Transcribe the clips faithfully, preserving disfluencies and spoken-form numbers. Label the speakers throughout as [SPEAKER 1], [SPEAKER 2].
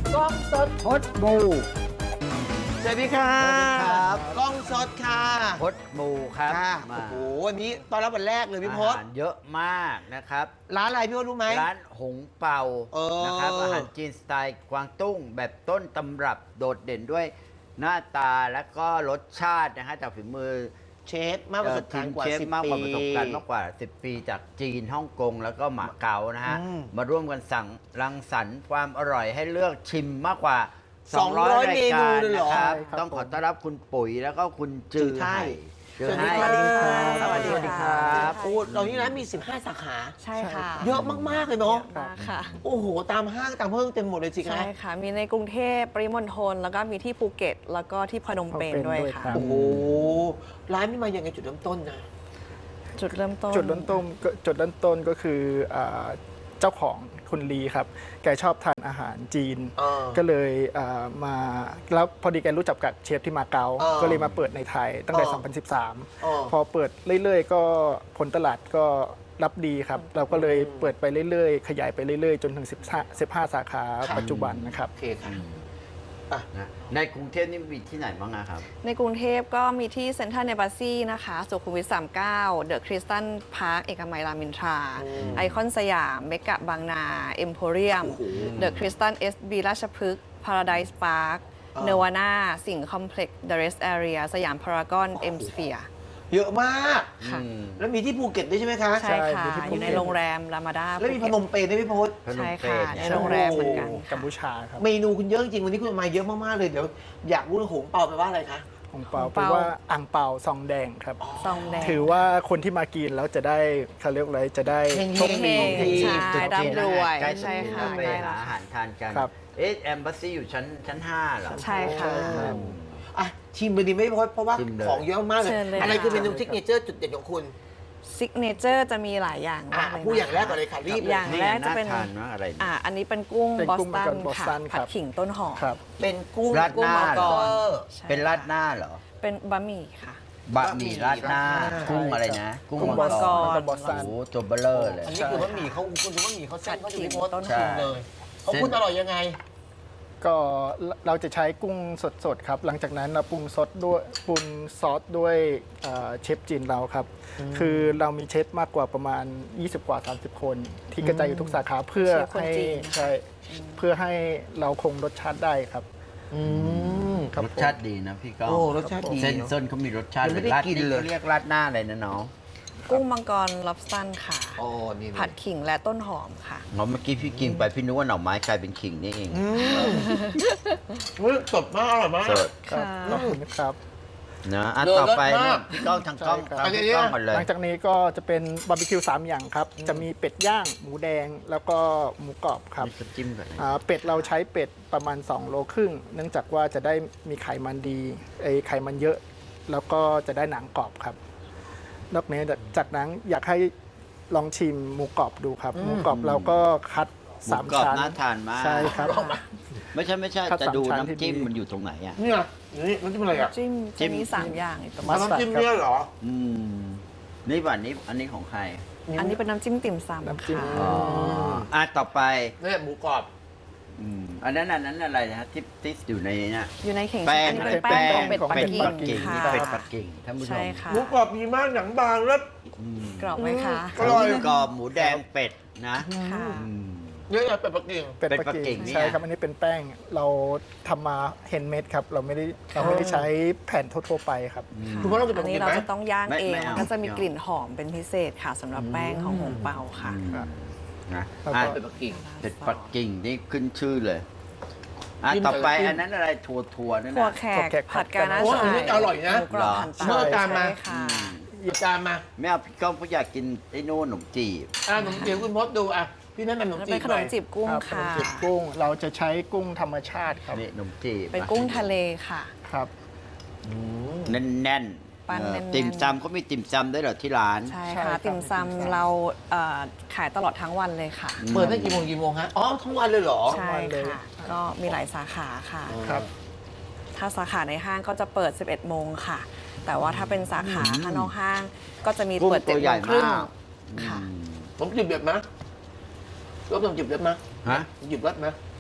[SPEAKER 1] กล้องสด
[SPEAKER 2] พดบู
[SPEAKER 1] สวัสดีค่ะ
[SPEAKER 2] สวัสดีครับ
[SPEAKER 1] กล้องสดค่ะ
[SPEAKER 2] พดบูครับ
[SPEAKER 1] ค่ะ
[SPEAKER 2] มา
[SPEAKER 1] โอ้โหวันนี้ตอนรับวันแรกเลยพี่พ
[SPEAKER 2] อา
[SPEAKER 1] ศ
[SPEAKER 2] หารเยอะมากนะครับ
[SPEAKER 1] ร้านอะไรพี่พศรู้ไหม
[SPEAKER 2] ร้านหงเป่า
[SPEAKER 1] เออ
[SPEAKER 2] นะครับอาหารจีนสไตล์กวางตุ้ง แบบต้นตำรับโดดเด่นด้วยหน้าตาและก็รสชาตินะฮะจากฝีมือ
[SPEAKER 1] เชฟมากประสบการณ์กว่า
[SPEAKER 2] เชฟ
[SPEAKER 1] สิบ
[SPEAKER 2] มากกว่า
[SPEAKER 1] ปี
[SPEAKER 2] ประสบการณ์มากกว่า สิบ ปีจากจีนฮ่องกงแล้วก็หมาเก๊านะฮะ
[SPEAKER 1] อืม
[SPEAKER 2] มาร่วมกันสั่งรังสรรค์ความอร่อยให้เลือกชิมมากกว่า
[SPEAKER 1] สองร้อย
[SPEAKER 2] ราย
[SPEAKER 1] เมนู
[SPEAKER 2] การ
[SPEAKER 1] เลยเหรอ
[SPEAKER 2] นะครับ
[SPEAKER 3] ใช่ครับ
[SPEAKER 2] ต้องขอต้อนรับคุณปุ๋ยแล้วก็คุณจือ
[SPEAKER 1] จือไห่
[SPEAKER 2] จือไห่
[SPEAKER 1] สวัสดีค่ะ
[SPEAKER 2] สวัสดีครับ
[SPEAKER 1] โอ้เรานี่ร้านมี สิบห้า สาขา
[SPEAKER 4] ใช่ค่ะ
[SPEAKER 1] เยอะมาก ๆ เลยเนาะ
[SPEAKER 4] เยอะมากค่ะ
[SPEAKER 1] โอ้โห ตามห้างตามเพิ่งเต็มหมดเลยสิคะ
[SPEAKER 4] ใช่ค่ะ มีในกรุงเทพปริมณฑลแล้วก็มีที่ภูเก็ต แล้วก็ที่พนมเปญด้วยค่ะ
[SPEAKER 1] โอ้โห ร้านนี้มายังไงจุดเริ่มต้นนะ
[SPEAKER 4] จุดเริ่มต้น
[SPEAKER 3] จุดเริ่มต้นก็จุดเริ่มต้นก็คืออ่าเจ้าของคุณลีครับ แกชอบทานอาหารจีน
[SPEAKER 1] เออ
[SPEAKER 3] ก็เลยอ่ามาแล้วพอดีแกรู้จักกับเชฟที่มาเก๊า
[SPEAKER 1] เออ
[SPEAKER 3] ก็เลยมาเปิดในไทยตั้งแต่
[SPEAKER 1] เออ
[SPEAKER 3] สองพันสิบสาม
[SPEAKER 1] เออ
[SPEAKER 3] พอเปิดเรื่อยๆ ก็ผลตลาดก็รับดีครับ เราก็เลยเปิดไปเรื่อยๆ ขยายไปเรื่อยๆ จนถึง15 15 สาขา
[SPEAKER 1] ครับ
[SPEAKER 3] ปัจจุบันนะครับ
[SPEAKER 1] โอเคค่ะ
[SPEAKER 2] นะในกรุงเทพนี่มีที่ไหนบ้างอะครับ
[SPEAKER 4] ในกรุงเทพก็มีที่เซ็นทรัลเนบัสซี่นะคะสุขุมวิทสามสิบเก้าเดอะคริสตันพาร์คเอกมัยรามอินทรา
[SPEAKER 1] อืม
[SPEAKER 4] ไอคอนสยามเมกะบางนาเอ็มโพเรียม
[SPEAKER 1] โอ้โห
[SPEAKER 4] เดอะคริสตันเอสบีราชพฤกษ์พาราไดส์พาร์ค
[SPEAKER 1] อ่า
[SPEAKER 4] เนวาน่าสิงห์คอมเพล็กซ์เดอะเรสแอเรียสยามพารากอนเอ็มสเฟียร์
[SPEAKER 1] เยอะมาก
[SPEAKER 4] ค่ะ
[SPEAKER 2] อืม
[SPEAKER 1] แล้วมีที่ภูเก็ตด้วยใช่ไหมคะ
[SPEAKER 4] ใช่ค่ะ
[SPEAKER 3] มีที่ภูเก็ต
[SPEAKER 4] อยู่ในโรงแรมรามาดา
[SPEAKER 1] แล้วมีพนมเปญด้วยพี่พศ
[SPEAKER 2] พนม
[SPEAKER 4] ใช่
[SPEAKER 2] เป
[SPEAKER 4] ค่ะ
[SPEAKER 2] ญ
[SPEAKER 4] ในโรงแรมเหมือนกัน
[SPEAKER 3] กัม
[SPEAKER 4] ค่ะ
[SPEAKER 3] พูชาครับ
[SPEAKER 1] เมนูคุณเยอะจริงวันนี้คุณมาเยอะมาก ๆ เลย เดี๋ยวอยากรู้หงเปาไปลว่าอะไรคะ
[SPEAKER 3] ของเปา
[SPEAKER 4] ของ
[SPEAKER 3] แปล
[SPEAKER 4] เปา
[SPEAKER 3] ว่าอ่างเปาซองแดงครับ
[SPEAKER 4] ซองแดง
[SPEAKER 3] ถือว่าคนที่มากินแล้วจะได้เขาเรียกอะไรจะได้
[SPEAKER 1] เฮงๆ
[SPEAKER 3] โชคดี
[SPEAKER 4] เฮงๆใช่
[SPEAKER 2] จุดจีน
[SPEAKER 4] ร่ำรวย
[SPEAKER 2] ใกล้
[SPEAKER 4] ใช่ค่ะ
[SPEAKER 2] ไป
[SPEAKER 4] ใกล้
[SPEAKER 2] หา
[SPEAKER 4] แล้ว
[SPEAKER 2] อาหารทานกัน
[SPEAKER 3] ครับ
[SPEAKER 2] เอ๊ะแอมบ s สซี่อยู่ชั้นชั้นห้าเหรอ
[SPEAKER 4] ใช่ค่ะ
[SPEAKER 2] อืม
[SPEAKER 1] อ่ะชิมไปดีไหมพี่พศเพราะว่า
[SPEAKER 2] ชิมเลย
[SPEAKER 1] ของเยอะมากเลย
[SPEAKER 4] เชิญเลย
[SPEAKER 1] อะไรคือเมนู
[SPEAKER 4] ค่ะ
[SPEAKER 1] ซิกเนเจอร์จุดเด่นของคุณ
[SPEAKER 4] ซิกเนเจอร์จะมีหลายอย่าง
[SPEAKER 1] อ่ะ
[SPEAKER 4] มากเลย
[SPEAKER 1] ผู้อย่าง
[SPEAKER 4] นะคะ
[SPEAKER 1] แรกก่อนเลยค่ะรีบเล
[SPEAKER 4] อย ย่าง
[SPEAKER 2] นี่
[SPEAKER 4] แรกจะเป็น
[SPEAKER 2] น่าทานมากอะไรเนี่ย
[SPEAKER 4] อ่าอันนี้เป็นกุ้ง
[SPEAKER 3] เป็น
[SPEAKER 4] บอส
[SPEAKER 3] กุ้ง
[SPEAKER 4] ตัน
[SPEAKER 3] มังกรบอสตั
[SPEAKER 4] ค่ะ
[SPEAKER 3] นค
[SPEAKER 4] ผั
[SPEAKER 3] รั
[SPEAKER 4] ด
[SPEAKER 3] บ
[SPEAKER 4] ขิงต้นหอม
[SPEAKER 3] ครับ
[SPEAKER 1] เป็นกุ้ง
[SPEAKER 2] ราดห
[SPEAKER 1] กุ้ง
[SPEAKER 2] น้า
[SPEAKER 1] มัง
[SPEAKER 2] เห
[SPEAKER 1] ก
[SPEAKER 2] รอ
[SPEAKER 1] ร
[SPEAKER 4] ใช่
[SPEAKER 2] เป็นราดหน้าเหรอ
[SPEAKER 4] เป็นบะหมี่ค่ะ
[SPEAKER 2] บะหมี่ราดหน้า
[SPEAKER 1] บะหมี่ราดหน้า
[SPEAKER 2] กุ้งอะไรนะ กุ้ง
[SPEAKER 4] กุ้ง
[SPEAKER 2] มังก
[SPEAKER 4] มังก
[SPEAKER 2] ร
[SPEAKER 4] ร
[SPEAKER 3] บอสตั
[SPEAKER 2] โอ้
[SPEAKER 3] น
[SPEAKER 2] โหตัวเบลเลอร์เลย
[SPEAKER 1] อันนี้คือบะหมี่เขาคุณดูบะหมี่เขาเส้นเขาจะพี่พศ
[SPEAKER 4] ต้นหอม
[SPEAKER 1] ชิมเลยของคุณอร่อยยังไง
[SPEAKER 3] ก็เราจะใช้กุ้งสดๆครับ หลังจากนั้นเราปรุงซอสด้วยปรุงซอสด้วยเอ่อเชฟจีนเราครับ คือเรามีเชฟมากกว่าประมาณ ยี่สิบ กว่า สามสิบ คน ที่กระจายอยู่ทุกสาขาเพื่อ
[SPEAKER 4] เชฟคน
[SPEAKER 3] ให้
[SPEAKER 4] จีนนะคะ
[SPEAKER 3] ใช่เพื่อให้เราคงรสชาติได้ครับ
[SPEAKER 1] อืม
[SPEAKER 3] ครับ
[SPEAKER 2] รสชาติดีนะพี่ก้อง
[SPEAKER 1] โอ้รสชาติดี
[SPEAKER 2] เส้นเส้นเขามีรสชาติ
[SPEAKER 1] ยังไม่ได้
[SPEAKER 2] ราด
[SPEAKER 1] กินเลย
[SPEAKER 2] เรียกราดหน้าอะไรนะน้อง
[SPEAKER 4] กุ้งมังกรล็อบสตันค่ะ
[SPEAKER 1] อ๋อนี่
[SPEAKER 4] ผัดขิงและต้นหอมค่ะ
[SPEAKER 2] อ๋อเมื่อกี้พี่กินไปพี่นึกว่าหน่อไม้กลายเป็นขิงนี่เอง
[SPEAKER 1] อืมเฮ้ยสดมากอร่อยมาก
[SPEAKER 2] สด
[SPEAKER 3] ครับ
[SPEAKER 4] ค่ะ
[SPEAKER 3] ขอบคุณครับ
[SPEAKER 2] นะอ่ะ
[SPEAKER 1] เลิศ
[SPEAKER 2] ต่อไป
[SPEAKER 1] มาก
[SPEAKER 2] พี่ก้องทางกล้อง
[SPEAKER 3] ใช่ครับ
[SPEAKER 2] ทางพี่ก้องก่อนเลย
[SPEAKER 3] หลังจากนี้ก็จะเป็นบาร์บีคิวสามอย่างครับ จะมีเป็ดย่าง หมูแดง แล้วก็หมูกรอบครับ
[SPEAKER 2] นี่ก็จิ้มก่อนนะ
[SPEAKER 3] อ่าเป็ดเราใช้เป็ดประมาณ สอง โลครึ่ง เนื่องจากว่าจะได้มีไขมันดีไอไขมันเยอะ แล้วก็จะได้หนังกรอบครับ นอกนี้จากนั้นอยากให้ลองชิมหมูกรอบดูครับ หมูกรอบเราก็คัด
[SPEAKER 2] หมู
[SPEAKER 3] สาม
[SPEAKER 2] กรอบ
[SPEAKER 3] ชั้น
[SPEAKER 2] น่าทานมาก
[SPEAKER 3] ใช่ครับ
[SPEAKER 1] ลองมา
[SPEAKER 2] ไม่ใช่ไม่ใช่
[SPEAKER 3] คัด
[SPEAKER 2] จะ
[SPEAKER 3] สาม
[SPEAKER 2] ดู
[SPEAKER 3] ชั้นที่
[SPEAKER 2] น้ำจิ้ม
[SPEAKER 3] ดี
[SPEAKER 2] มันอยู่ตรงไหนอ่ะ
[SPEAKER 1] เนี่ยนี่น้ำจิ้มอะไรอ่ะ
[SPEAKER 4] จิ้ม
[SPEAKER 2] จิ้
[SPEAKER 4] จะ
[SPEAKER 2] ม
[SPEAKER 4] มีสามอย่างอีกประมา
[SPEAKER 3] มั
[SPEAKER 4] ณ
[SPEAKER 3] สตาร์ด
[SPEAKER 1] น้ำจิ้มเนี่ยเหรอ
[SPEAKER 2] อืมนี่บัตรนี้อันนี้ของใคร
[SPEAKER 4] อันนี้เป็นน้ำจิ้มติ่ม
[SPEAKER 3] น้ำ
[SPEAKER 4] ซำ
[SPEAKER 3] จิ้ม
[SPEAKER 4] ค่ะ
[SPEAKER 2] อ๋ออ่ะต่อไป
[SPEAKER 1] เนี่ยหมูกรอบ
[SPEAKER 2] อืมอันนั้นอันนั้นอะไรนะที่ที่อยู่ในนี้นะ
[SPEAKER 4] อยู่ในเข่ง
[SPEAKER 2] แป้ง
[SPEAKER 4] อันนี้เป็นแป้งของเป็ดปัก
[SPEAKER 2] เป็ด
[SPEAKER 4] กิ่
[SPEAKER 2] ปัก
[SPEAKER 4] ง
[SPEAKER 2] กิ่ง
[SPEAKER 4] ค่ะ
[SPEAKER 2] นี่เป็ดปักกิ่งท่านผู้ช
[SPEAKER 4] ใช่
[SPEAKER 2] ม
[SPEAKER 4] ค่ะ
[SPEAKER 1] หมูกรอบดีมากหนังบางแล้ว
[SPEAKER 2] อืม
[SPEAKER 4] กรอบไหมคะ
[SPEAKER 1] อร่อย
[SPEAKER 2] หมูกรอบหมูแดงเป็ดนะ
[SPEAKER 4] ค่ะ
[SPEAKER 2] อืม
[SPEAKER 1] เนี่ยเป็ดปักกิ่ง
[SPEAKER 3] เป็ด
[SPEAKER 2] เป็ด
[SPEAKER 3] ปัก
[SPEAKER 2] ปักกิ่
[SPEAKER 3] กิ่
[SPEAKER 2] ง
[SPEAKER 3] ง
[SPEAKER 2] เนี่ย
[SPEAKER 3] ใช่ครับ อันนี้เป็นแป้งเราทำมาเฮนเมดครับ เราไม่ได้เราไม่ได้ใช้แผ่นทั่วๆไปครับ
[SPEAKER 1] คุณพ่อต้องเป็ด
[SPEAKER 4] อั
[SPEAKER 1] ปั
[SPEAKER 4] น
[SPEAKER 1] ก
[SPEAKER 4] นี้
[SPEAKER 1] กิ่ง
[SPEAKER 4] เรา
[SPEAKER 1] ไหม
[SPEAKER 4] จะต้องย่าง
[SPEAKER 2] ไม่
[SPEAKER 4] เอง
[SPEAKER 2] ไม่เอา
[SPEAKER 4] ก็จะมีกลิ่นหอมเป็นพิเศษค่ะสำหรับแป้งของหงเปาค่ะ
[SPEAKER 2] อืม
[SPEAKER 3] ครับ
[SPEAKER 2] นะ
[SPEAKER 3] แล้วก็
[SPEAKER 2] อ่ะ
[SPEAKER 1] เป็ดปักกิ่ง
[SPEAKER 2] เป็ดปักกิ่งนี่ขึ้นชื่อเลยอ่ะ
[SPEAKER 1] จิ้ม
[SPEAKER 2] ต่อไป
[SPEAKER 1] จิ้ม
[SPEAKER 2] อันนั้นอะไรถั่วถั่วนั่น
[SPEAKER 4] ถั่ว
[SPEAKER 2] นะ
[SPEAKER 4] แข
[SPEAKER 3] ถั่ว
[SPEAKER 4] ก
[SPEAKER 3] แขก
[SPEAKER 4] ผัดกาหน้า
[SPEAKER 1] โอ้อัน
[SPEAKER 4] ฉ่า
[SPEAKER 1] นี้อร่อยนะ
[SPEAKER 4] หมูกรอบหั่น
[SPEAKER 1] เมื่อจานมา
[SPEAKER 4] ใช่ค่ะ
[SPEAKER 1] หยิบจานมา
[SPEAKER 2] ไม่เอาพี่ก้องเพราะอยากกินไอ้โน่นขนมจีบ
[SPEAKER 1] อ่าขนมจีบคุณพศดูอ่ะพี่แนะนำขนม
[SPEAKER 4] แล้ว
[SPEAKER 1] จี
[SPEAKER 4] เป็
[SPEAKER 1] บ
[SPEAKER 4] นข
[SPEAKER 1] ห
[SPEAKER 4] น
[SPEAKER 1] น่อ
[SPEAKER 4] ม
[SPEAKER 1] ย
[SPEAKER 4] จีบกุ้ง
[SPEAKER 3] ครับ
[SPEAKER 4] ค่ะ
[SPEAKER 3] ขนมจีบกุ้ง เราจะใช้กุ้งธรรมชาติครับ
[SPEAKER 2] นี่ขนมจีบ
[SPEAKER 4] เป็นกุ้งทะเลค่ะ
[SPEAKER 3] ครับ
[SPEAKER 2] แน่นแน่น
[SPEAKER 4] ปั้น
[SPEAKER 2] เออ
[SPEAKER 4] แน่นๆ
[SPEAKER 2] ติ่มซำเขามีติ่มซำด้วยเหรอที่ร้าน
[SPEAKER 4] ใช่
[SPEAKER 3] ใช่
[SPEAKER 4] ค่ะ
[SPEAKER 3] ครับ
[SPEAKER 4] ติ่มซำเราเอ่อขายตลอดทั้งวันเลยค่ะ
[SPEAKER 1] เปิดได้กี่โมงกี่โมงฮะอ๋อทั้งวันเลยเหรอ
[SPEAKER 4] ใช่ค่ะ ก็มีหลายสาขาค่ะ
[SPEAKER 3] ครับ
[SPEAKER 4] ถ้าสาขาในห้างก็จะเปิด สิบเอ็ด โมงค่ะ แต่ว่าถ้าเป็นสาขาข้างนอกห้าง ก็จะมี
[SPEAKER 2] กุ้ง
[SPEAKER 4] เปิด
[SPEAKER 2] ตั
[SPEAKER 4] เจ็ด
[SPEAKER 2] ว
[SPEAKER 4] โม
[SPEAKER 2] ใหญ่
[SPEAKER 4] งครึ่ง
[SPEAKER 2] มาก
[SPEAKER 4] ค่ะ
[SPEAKER 2] อืม
[SPEAKER 1] ขนมจีบเด็ดไหมรสขนมจีบเด็ดไหม
[SPEAKER 2] ฮะ
[SPEAKER 1] หยิบรสไหม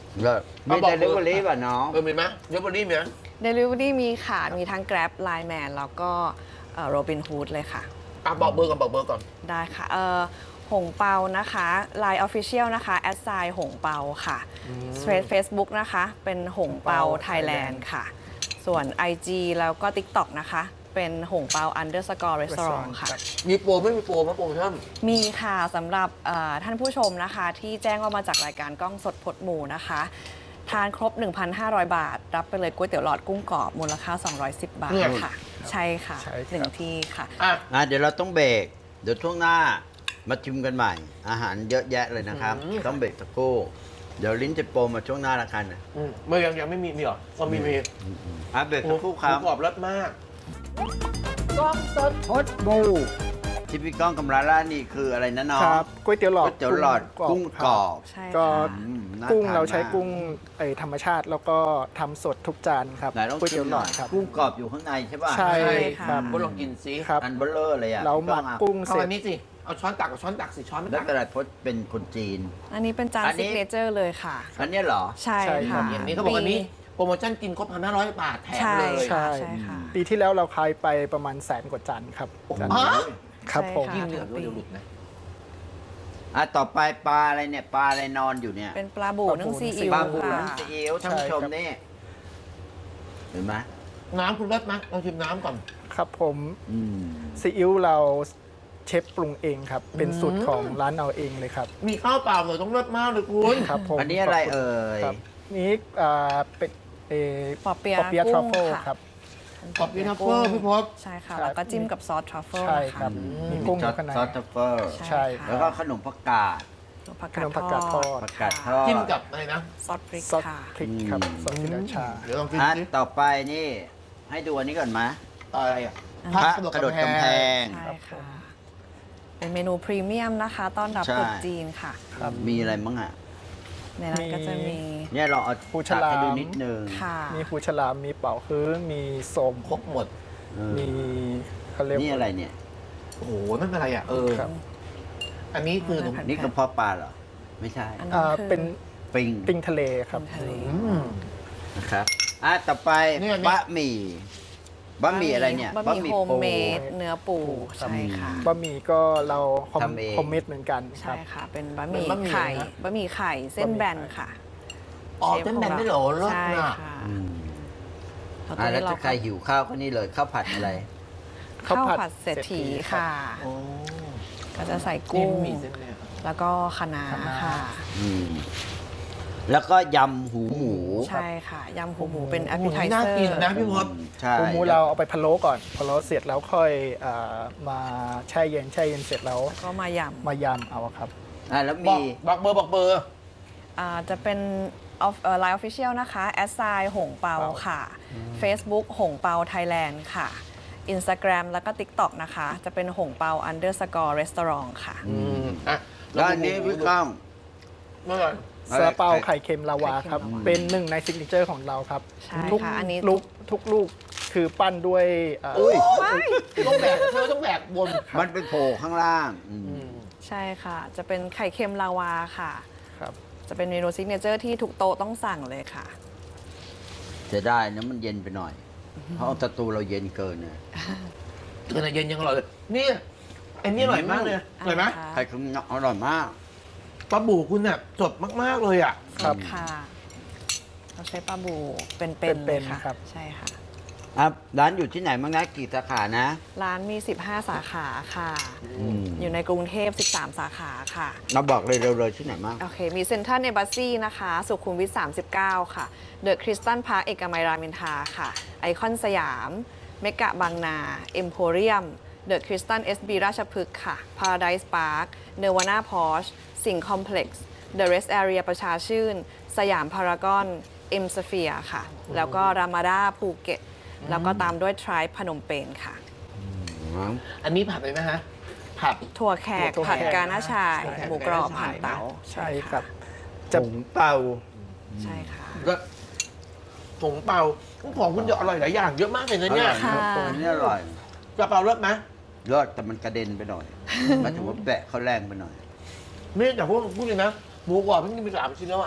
[SPEAKER 2] เลิศมี
[SPEAKER 1] เอาบอก
[SPEAKER 2] เดลิเวอรี่ป่ะน้อง
[SPEAKER 1] เออมีไหมเดลิเวอรี่มีไหม
[SPEAKER 4] Delivery มีค่ะ มีทั้ง Grab Line Man แล้วก็โรบินฮูดเลยค่ะ
[SPEAKER 1] อ่ะบอกเบอร์ก่อนบอกเบอร์ก่อน
[SPEAKER 4] ได้ค่ะเอ่อหงเปานะคะ Line Official นะคะแอดไซน์หงเปาค่ะเฟซบุ๊กนะคะ เป็นหงเปาไทยแลนด์ค่ะ ส่วน ไอ จี แล้วก็ TikTok นะคะ เป็นหงเปา underscore restaurant ค่ะ
[SPEAKER 1] มีโปรไม่มีโปรไหมโปรโมชั่น
[SPEAKER 4] มีค่ะสำหรับเอ่อท่านผู้ชมนะคะ ที่แจ้งว่ามาจากรายการกล้องสดพดหมูนะคะ ทานครบ หนึ่งพันห้าร้อย บาท รับไปเลยก๋วยเตี๋ยวหลอดกุ้งกรอบมูลค่า สองร้อยสิบ บาท
[SPEAKER 1] เนี่ย
[SPEAKER 4] ค่ะ ใช่ค่ะ
[SPEAKER 3] ใช่ครับ
[SPEAKER 4] หนึ่งที่ค่ะ
[SPEAKER 1] อ่ะ
[SPEAKER 2] อ่ะเดี๋ยวเราต้องเบรกเดี๋ยวช่วงหน้ามาชิมกันใหม่ อาหารเยอะแยะเลยนะครับ
[SPEAKER 1] อืม
[SPEAKER 2] ต้องเบรกสักครู่เดี๋ยวลิ้นจะโปรมาช่วงหน้าละกันนะ
[SPEAKER 1] อืมเมื่อยังยังไม่มีมีเหรอก็มีมี
[SPEAKER 2] อ่ะเบรกสักครู่ครับ
[SPEAKER 1] หมูกรอบรสมาก
[SPEAKER 2] กล้องสดพดบูที่พี่ก้องกำลังล่านี่คืออะไรนะน้อง
[SPEAKER 3] ครับก๋วยเตี๋ยวหลอ
[SPEAKER 2] ก๋
[SPEAKER 3] ด
[SPEAKER 2] วยเตี๋ยวหลอดกุ้งกรอบ
[SPEAKER 4] ใช่
[SPEAKER 3] ก็
[SPEAKER 4] ค่ะ
[SPEAKER 2] อืมน่
[SPEAKER 3] กุ้ง
[SPEAKER 2] ทน
[SPEAKER 3] เราใช้
[SPEAKER 2] ม
[SPEAKER 3] กุ้งไอธรรมชาติแล้วก็ทำสดทุกจานครับ
[SPEAKER 2] ไหนลอง
[SPEAKER 3] ก๋วย
[SPEAKER 2] ชิ
[SPEAKER 3] เตี๋ย
[SPEAKER 2] ม
[SPEAKER 3] ว
[SPEAKER 2] ห
[SPEAKER 3] หล
[SPEAKER 2] น่
[SPEAKER 3] อ
[SPEAKER 2] อ
[SPEAKER 3] ด
[SPEAKER 2] ย
[SPEAKER 3] ครับ
[SPEAKER 2] กุ้งกรอบอยู่ข้างในใช่ป่ะ
[SPEAKER 3] ใช่
[SPEAKER 4] ใช่ค่ะ
[SPEAKER 3] ครับ
[SPEAKER 1] ก็ลองกินซิ
[SPEAKER 3] ครับ
[SPEAKER 2] อันเบลเลอร์เลยอ่ะ
[SPEAKER 3] เราหมัก
[SPEAKER 2] พี่องอ่ะ
[SPEAKER 3] กุ้ง
[SPEAKER 1] เอา
[SPEAKER 3] เสร็จ
[SPEAKER 1] อันนี้สิเอาช้อนตักกับช้อนตักสิช้อนไม่
[SPEAKER 2] แล้ว
[SPEAKER 1] ตัก
[SPEAKER 2] กระดาษพดเป็นคนจีน
[SPEAKER 4] อันนี้เป็นจาน
[SPEAKER 2] อันนี้
[SPEAKER 4] ซิกเนเจอร์เลยค่ะ
[SPEAKER 2] อันเนี้ยเหรอ
[SPEAKER 4] ใช่
[SPEAKER 3] ใช่ครั
[SPEAKER 4] ค่ะ
[SPEAKER 3] บ
[SPEAKER 1] อย่างนี้เขาบอกอันนี้โปรโมชั่นกินครบพันห้าร้อยบาทแถม
[SPEAKER 4] ใช่
[SPEAKER 1] เลย
[SPEAKER 4] ค่ะ
[SPEAKER 3] ใช่
[SPEAKER 4] ใช่ค่ะ
[SPEAKER 3] ปีที่แล้วเราขายไปประมาณแสนกว่าจานครับจาน
[SPEAKER 1] ฮะ
[SPEAKER 3] ครับ
[SPEAKER 4] ใช่
[SPEAKER 3] ผม
[SPEAKER 4] ค่ะ
[SPEAKER 1] ยิ่งเหนือด้วยเดี๋ยวหลุดนะ
[SPEAKER 2] อ่ะต่อไปปลาอะไรเนี่ยปลาอะไรนอนอยู่เนี่ย
[SPEAKER 4] เป็นปลาบูนึ่งซีอิ๊ว
[SPEAKER 2] ปลาบู
[SPEAKER 4] ค่ะ
[SPEAKER 2] น้ำซีอิ๊วท่านผู้ชมนี่เห็นไหม
[SPEAKER 1] น้ำคุณรสไหมลองชิมน้ำก่อน
[SPEAKER 3] ครับผม
[SPEAKER 2] อืม
[SPEAKER 3] ซีอิ๊วเราเชฟปรุงเองครับ เป็น
[SPEAKER 1] อืม
[SPEAKER 3] สูตรของร้านเอาเองเลยครับ
[SPEAKER 1] มีข้าวเปล่าเลยต้องรสมากเลยคุณ
[SPEAKER 3] ครับผม
[SPEAKER 2] อันนี้อะไรเอ่ย
[SPEAKER 3] ครับนี่อ่าเป็นเออ
[SPEAKER 4] ปอเปี๊ยะ
[SPEAKER 3] ปอเปี๊ยะทรัฟเฟิล
[SPEAKER 4] กุ้งค่ะ
[SPEAKER 3] ครับ
[SPEAKER 1] ขอบคุณนะเฟอร์พี่พศ
[SPEAKER 4] ใช่ค่ะ
[SPEAKER 3] ครับ
[SPEAKER 4] แล้วก็จิ้มกับซอสทรัฟเฟิล
[SPEAKER 3] ใช่
[SPEAKER 4] นะ
[SPEAKER 3] ครั
[SPEAKER 4] คะ
[SPEAKER 3] บ มีกุ้งอ
[SPEAKER 2] ซอยู่ ส
[SPEAKER 3] ข้างใน
[SPEAKER 2] ซอสทัฟเฟิล
[SPEAKER 3] ใช่
[SPEAKER 4] ค่ะ
[SPEAKER 2] แล้วก็ขนมผักกาด
[SPEAKER 4] ผัก
[SPEAKER 3] ขนมผักกาดทอด
[SPEAKER 2] ผักกาดทอด
[SPEAKER 1] จิ้มกับอะไรนะ
[SPEAKER 4] ซอสพริก
[SPEAKER 3] ซอส
[SPEAKER 4] ค่ะ
[SPEAKER 3] พริกครับ
[SPEAKER 2] อืม
[SPEAKER 3] ซอสพริกราชา
[SPEAKER 1] เดี๋ยวลองกิน
[SPEAKER 2] อ่ะ
[SPEAKER 1] สิ
[SPEAKER 2] ต่อไปนี่ ให้ดูอันนี้ก่อนไหม
[SPEAKER 1] อะไรอ่ะ
[SPEAKER 2] พระกระโดดกำแพง
[SPEAKER 4] ใช่ค่ะ เป็นเมนูพรีเมียมนะคะ ต้อนรับ
[SPEAKER 2] ใช่
[SPEAKER 4] คนจีนค่ะ
[SPEAKER 2] มีอะไรบ้างอ่ะ
[SPEAKER 4] ในนั้นก็จะมี
[SPEAKER 2] เนี่ยเราเอา
[SPEAKER 3] ปูฉ
[SPEAKER 2] ตัก
[SPEAKER 3] ลาม
[SPEAKER 2] ให้ดูนิดนึง
[SPEAKER 4] ค่ะ
[SPEAKER 3] มีหูฉลาม มีเป่าฮื้อ มีโสม
[SPEAKER 1] ครบหมด
[SPEAKER 2] เออ
[SPEAKER 3] มีเขาเรียก
[SPEAKER 2] นี่อะไรเนี่ย
[SPEAKER 1] โอ้โหนั่นอะไรอ่ะ เออ
[SPEAKER 3] ครับ
[SPEAKER 1] อันนี้คือขนม
[SPEAKER 2] นี่กระเพาะปลาเหรอ ไม่ใช่
[SPEAKER 4] อัน
[SPEAKER 3] อ่า
[SPEAKER 4] นั้นคือ
[SPEAKER 3] เป็น
[SPEAKER 2] ปิง
[SPEAKER 3] ปิ้งทะเลครับ
[SPEAKER 4] เป็นทะเล
[SPEAKER 1] อืม
[SPEAKER 2] นะครับอ่ะต่อไป
[SPEAKER 1] เนี่ยเนี่ย
[SPEAKER 2] บะหมี่บะหมี่อะไรเนี่ย
[SPEAKER 4] บะหมี่โฮม
[SPEAKER 2] ปู
[SPEAKER 4] เมดเนื้อปู
[SPEAKER 3] ครับ
[SPEAKER 4] ใช่ค่ะ
[SPEAKER 3] บะหมี่ก็เราคอม
[SPEAKER 2] ทำเอง
[SPEAKER 3] คอมเมดเหมือนกันค
[SPEAKER 4] ใช่
[SPEAKER 3] รับ
[SPEAKER 4] ค่ะ เป็นบะหมี่
[SPEAKER 1] เป็นบะหมี่
[SPEAKER 4] ไข่
[SPEAKER 1] นะ
[SPEAKER 4] บะหมี่ไข่เส้นแบนค่ะ
[SPEAKER 1] อ๋อเส้นแบนได้เหรอรส
[SPEAKER 4] ใช่
[SPEAKER 1] น่ะ
[SPEAKER 4] ค่ะ
[SPEAKER 2] อืม
[SPEAKER 4] แล้ว
[SPEAKER 2] อ่ะ
[SPEAKER 4] ตัว
[SPEAKER 2] แล้ว
[SPEAKER 4] นี้เรา
[SPEAKER 2] ถ้าใครหิวข้าวก็นี่เลยข้าวผัดอะไร
[SPEAKER 4] ข้าว
[SPEAKER 3] ข้าวผัด
[SPEAKER 4] ผัดเศรษฐี
[SPEAKER 3] เศรษฐีครับ
[SPEAKER 4] ค่ะ
[SPEAKER 1] โอ้
[SPEAKER 4] ก็จะใส่
[SPEAKER 1] นี่
[SPEAKER 4] กุ้ง
[SPEAKER 1] มีเส้นเนี่ย
[SPEAKER 4] แล้วก็คะน้า
[SPEAKER 3] คะน้า
[SPEAKER 4] ค่ะ
[SPEAKER 2] อืมแล้วก็ยำหูหมู
[SPEAKER 4] ใช่ค่ะยำหูหมูเป็นแอป
[SPEAKER 1] โอ้
[SPEAKER 4] เปิ
[SPEAKER 1] โห
[SPEAKER 4] ลไท
[SPEAKER 1] น่า
[SPEAKER 4] เซอ
[SPEAKER 1] กิน
[SPEAKER 4] ร์
[SPEAKER 1] นะพี่พศ
[SPEAKER 2] ใช่
[SPEAKER 3] ปูหมูเราเอาไปพะโล้ก่อนพะโล้เสร็จแล้วค่อยอ่ามาแช่เย็นแช่เย็นเสร็จแล้ว
[SPEAKER 4] แล้วก็มาย
[SPEAKER 3] มายำเอาครับ
[SPEAKER 2] อ่ะแล้ว
[SPEAKER 1] บอ
[SPEAKER 2] มี
[SPEAKER 1] กบอกเบอร์บอกเบอร์
[SPEAKER 4] ำอ่าจะเป็นไลน์ออฟฟิเชียลนะคะแอดไซน์หงเปา
[SPEAKER 3] เปา
[SPEAKER 4] ค่ะ Facebook หงเปาไทยแลนด์ค่ะ Instagram แล้วก็ TikTok นะคะ จะเป็นหงเปา underscore restaurant ค่ะ
[SPEAKER 1] อืมอ่ะ
[SPEAKER 2] แล้วอันนี้พี่ก้อง
[SPEAKER 1] เมื่อไหร่
[SPEAKER 3] ซาลาเปาไข่เค็มลาวาครับ
[SPEAKER 4] ไข่เค็มลาวา
[SPEAKER 3] เป็นหนึ่งในซิกเนเจอร์ของเราครับ
[SPEAKER 4] ใช่
[SPEAKER 3] ทุก
[SPEAKER 4] ค่ะอันนี้
[SPEAKER 3] ลูกทุกลูกคือปั้นด้วยเอ่ออ
[SPEAKER 2] อุ้ย
[SPEAKER 1] ต้องแบกเธอต้องแบกบน
[SPEAKER 2] มันไปโผล่ข้างล่างอืม
[SPEAKER 1] อืม
[SPEAKER 4] ใช่ค่ะ จะเป็นไข่เค็มลาวาค่ะ
[SPEAKER 3] ครับ
[SPEAKER 4] จะเป็นเมนูซิกเนเจอร์ที่ทุกโต๊ะต้องสั่งเลยค่ะ
[SPEAKER 2] จะได้นะมันเย็นไปหน่อย เพราะสตูเราเย็นเกินเนี่ย
[SPEAKER 1] เกินเย็นยังอร่อยเลยนี่อันนี้อร่อยมากเลยอร่อยไหม
[SPEAKER 4] ค่ะ
[SPEAKER 2] ไข่คุ้มอร่อยมาก
[SPEAKER 1] ปลาบูคุณเนี่ยสดมากๆเลยอ่ะ
[SPEAKER 3] ครับ
[SPEAKER 4] ค่ะ เราใช้ปลาบูเป็นๆ
[SPEAKER 3] เป็
[SPEAKER 4] เลย
[SPEAKER 3] นๆ
[SPEAKER 4] ค่ะ
[SPEAKER 3] ครับ
[SPEAKER 4] ใช่ค่ะ
[SPEAKER 2] อ่ะร้านอยู่ที่ไหนบ้างนะกี่สาขานะ
[SPEAKER 4] ร้านมี สิบห้า สาขาค่ะ
[SPEAKER 2] อืม
[SPEAKER 4] อยู่ในกรุงเทพ สิบสาม สาขาค่ะ
[SPEAKER 2] เราบอกเลยเร็วๆที่ไหนบ้าง
[SPEAKER 4] โอเค มีเซ็นทรัลเอ b บ s ซีนะคะ สุขุมวิท สามสิบเก้า ค่ะ เดอะคริสตันพาร์คเอกมัยรามอินทราค่ะ ไอคอนสยาม เมกะบางนา เอ็มโพเรียม เดอะคริสตันเอสบีราชพฤกษ์ค่ะ พาราไดซ์พาร์ค เนวาน่าพอชสิงห์คอมเพล็กซ์ เดอะเรสแอเรียประชาชื่น สยามพารากอน เอ็มสเฟียค่ะ แล้วก็รามาดาภูเก็ต แล้วก็ตามด้วยทริปพนมเปญค่ะ
[SPEAKER 1] อันนี้ผัดเลยไหมฮะผัด
[SPEAKER 4] ถั่วแขก
[SPEAKER 3] ถั่วแขก
[SPEAKER 4] ผัดกาหน้าชาย
[SPEAKER 1] ถั่วแขก
[SPEAKER 4] หมูกรอบ
[SPEAKER 1] กาหน้าชาย
[SPEAKER 4] ผ่านเตา
[SPEAKER 3] ใช่ครับ
[SPEAKER 2] จะผงเป่า
[SPEAKER 4] ใช่ค่ะ
[SPEAKER 1] ก็ผงเปาของคุณจะอร่อยหลายอย่างเยอะมากเลยนะเนี่ย
[SPEAKER 4] ค่ะ
[SPEAKER 2] ตัวนี้อร่อย
[SPEAKER 1] กระเปารสไหม
[SPEAKER 2] รสแต่มันกระเด็นไปหน่อยหมายถึงว่าแบะเขาแรงไปหน่อย
[SPEAKER 1] ไม่แต่พวกพูดเลยนะหมูกรอบเพิ่งกินไปสามชิ้นแล้วอ่ะ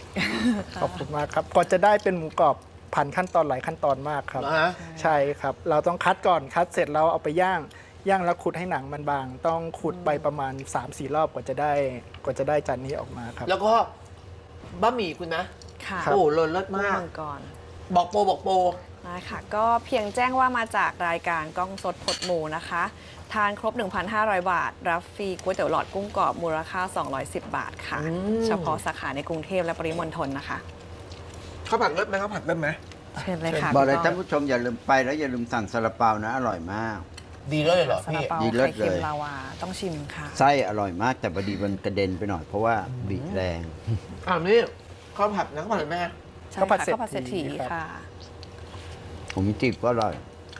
[SPEAKER 3] ขอบคุณมากครับกว่าจะได้เป็นหมูกรอบผ่านขั้นตอนหลายขั้นตอนมากครับ
[SPEAKER 1] นะฮะ
[SPEAKER 3] ใช่ครับ เราต้องคัดก่อนคัดเสร็จเราเอาไปย่างย่างแล้วขุดให้หนังมันบาง ต้องขุดไปประมาณ สามสี่ รอบกว่าจะได้กว่าจะได้จานนี้ออกมาครับ
[SPEAKER 1] แล้วก็บะหมี่คุณนะ
[SPEAKER 4] ค่ะ
[SPEAKER 1] โอ้เลิศเลิศ
[SPEAKER 4] กุ้ง
[SPEAKER 1] มาก
[SPEAKER 4] มังกร
[SPEAKER 1] บอกโปรบอกโปร
[SPEAKER 4] ได้ค่ะก็เพียงแจ้งว่ามาจากรายการกล้องสดพดหมูนะคะ ทานครบ หนึ่งพันห้าร้อย บาท รับฟรีก๋วยเตี๋ยวหลอดกุ้งกรอบมูลค่า สองร้อยสิบ บาทค่ะ
[SPEAKER 1] อืม
[SPEAKER 4] เฉพาะสาขาในกรุงเทพและปริมณฑลนะคะ
[SPEAKER 1] ข้าวผัดเลิศไหมข้าวผัดเลิศไหม
[SPEAKER 4] เชิญเลยค่ะ
[SPEAKER 2] บอกเลย
[SPEAKER 4] พี่
[SPEAKER 2] ท่านผู้ชมอย่าลืมไปแล้วอย่าลืมสั่งซาลาเปานะอร่อยมาก
[SPEAKER 1] ดีเลยเหรอ
[SPEAKER 4] ซา
[SPEAKER 1] พี่
[SPEAKER 4] ลาเปา
[SPEAKER 2] ดีเลิศ
[SPEAKER 4] ไข่เค็ม
[SPEAKER 2] เลย
[SPEAKER 4] ลาวาต้องชิมค่ะ
[SPEAKER 2] ไส้อร่อยมากแต่พอดีมันกระเด็นไปหน่อยเพราะว่าบีบแรง
[SPEAKER 1] อ่านี่ข้าวผัดนะข้าวผัดแม่
[SPEAKER 4] ใช่
[SPEAKER 3] ข้าวผั
[SPEAKER 4] ค่ะ
[SPEAKER 3] ดเศรษฐี
[SPEAKER 4] ข้าวผัดเศรษฐี
[SPEAKER 3] ครับ
[SPEAKER 4] ค่ะ
[SPEAKER 2] ผมจีบก็อร่อย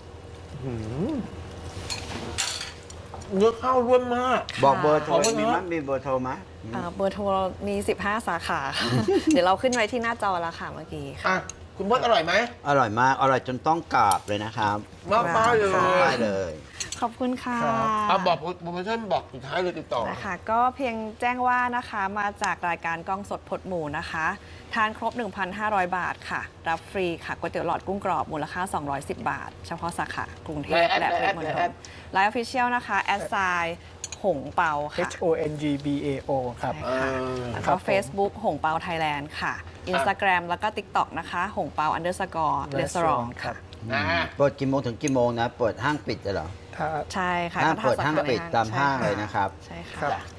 [SPEAKER 1] เนื้อข้าวร่วนมาก
[SPEAKER 2] บอกเบอร์โทร
[SPEAKER 1] ขอบคุณ
[SPEAKER 2] มี
[SPEAKER 1] นะ
[SPEAKER 2] มั้ยมีเบอร์โทรมั้ย
[SPEAKER 4] เอ่อเบอร์โทรมี สิบห้า สาขาค่ะ เดี๋ยวเราขึ้นไว้ที่หน้าจอแล้วค่ะเมื่อกี้ค่ะ
[SPEAKER 1] อ่ะคุณพจน์อร่อยไหม
[SPEAKER 2] อร่อยมากอร่อยจนต้องกราบเลยนะครับ
[SPEAKER 1] มากป้ายเลย
[SPEAKER 4] ค่ะ
[SPEAKER 2] ได้เลย
[SPEAKER 4] ขอบคุณค่ะ
[SPEAKER 3] ครับ
[SPEAKER 1] อ่ะบอกโปรโมชั่นบอกสุดท้ายเลยติดต่อ
[SPEAKER 4] นะคะก็เพียงแจ้งว่านะคะมาจากรายการกล้องสดพดหมูนะคะ ทานครบ หนึ่งพันห้าร้อย บาทค่ะ รับฟรีค่ะก๋วยเตี๋ยวหลอดกุ้งกรอบมูลค่า สองร้อยสิบ บาท เฉพาะสาขากรุงเทพ
[SPEAKER 1] และ
[SPEAKER 4] และ
[SPEAKER 1] แอด
[SPEAKER 4] ปริมณ
[SPEAKER 1] และ
[SPEAKER 4] ฑ
[SPEAKER 1] แอ
[SPEAKER 4] ล
[SPEAKER 1] ด
[SPEAKER 4] ไลน์ออฟฟิเชียลนะคะแอดไซน์หงเปาค่ะ
[SPEAKER 3] H O N G B A O ครับ
[SPEAKER 4] ใช่ค่ะ
[SPEAKER 1] เออ
[SPEAKER 4] แล้ว
[SPEAKER 3] ครั
[SPEAKER 4] ก็
[SPEAKER 3] บผม
[SPEAKER 4] Facebook หงเปาไทยแลนด์ค่ะ Instagram แล้วก็ TikTok นะคะหงเปา underscore restaurant ค่ะ
[SPEAKER 1] อ่า
[SPEAKER 2] เปิดกี่โมงถึงกี่โมงนะ เปิดห้างปิดเลยเหรอ
[SPEAKER 3] ถ้า
[SPEAKER 4] ใช่ค่ะ
[SPEAKER 2] ห้าง
[SPEAKER 4] ก็
[SPEAKER 2] เปิด
[SPEAKER 4] สข
[SPEAKER 2] ห้างปิดตาม
[SPEAKER 4] ใช่
[SPEAKER 2] ห้าง
[SPEAKER 4] ค่ะ
[SPEAKER 2] เลยนะครับ
[SPEAKER 4] ใช่
[SPEAKER 3] ครั
[SPEAKER 4] ค่ะ
[SPEAKER 3] บ